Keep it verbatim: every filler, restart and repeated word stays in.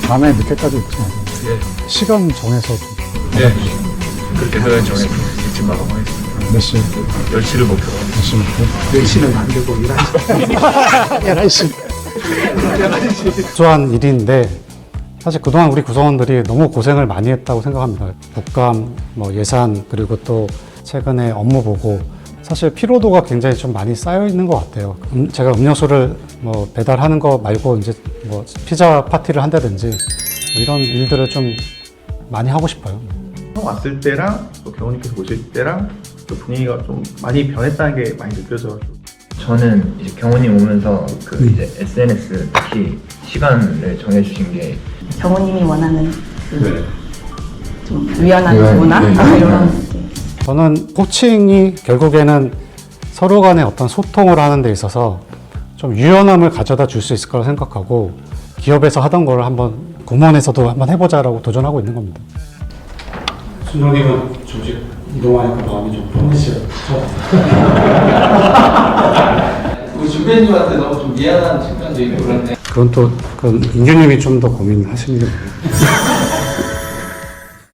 밤에 늦게까지 있지 마세요. 예. 시간 정해서 좀. 네. 그렇게 해서 정해 일찍 마감하겠습니다. 몇 시? 열 시를 목표로. 몇 시 먹고? 열 시는 안 되고 열한 시. 열한 시. 주한 일인데 사실 그동안 우리 구성원들이 너무 고생을 많이 했다고 생각합니다. 국감, 뭐 예산, 그리고 또 최근에 업무 보고 사실 피로도가 굉장히 좀 많이 쌓여 있는 것 같아요. 음, 제가 음료수를 뭐 배달하는 거 말고 이제 뭐 피자 파티를 한다든지 뭐 이런 일들을 좀 많이 하고 싶어요. 처음 왔을 때랑 또 경호님께서 오실 때랑 또 분위기가 좀 많이 변했다는 게 많이 느껴져가지고 저는 이제 경호님 오면서 그 이제 에스엔에스 특히 시간을 정해주신 게 경호님이 원하는 그 좀 유연한 유연, 문화? 네, 아, 네. 이런 저는 코칭이 결국에는 서로 간의 어떤 소통을 하는 데 있어서 좀 유연함을 가져다 줄 수 있을 거라 생각하고 기업에서 하던 걸 한번 공무원에서도 한번 해보자라고 도전하고 있는 겁니다. 준영님은 조직 이동하니까 마음이 좀 편해지죠. 우리 준배님한테 너무 좀 미안한 측면도 있고 그런데 그건 또, 그건 인규님이 좀 더 고민하시는 게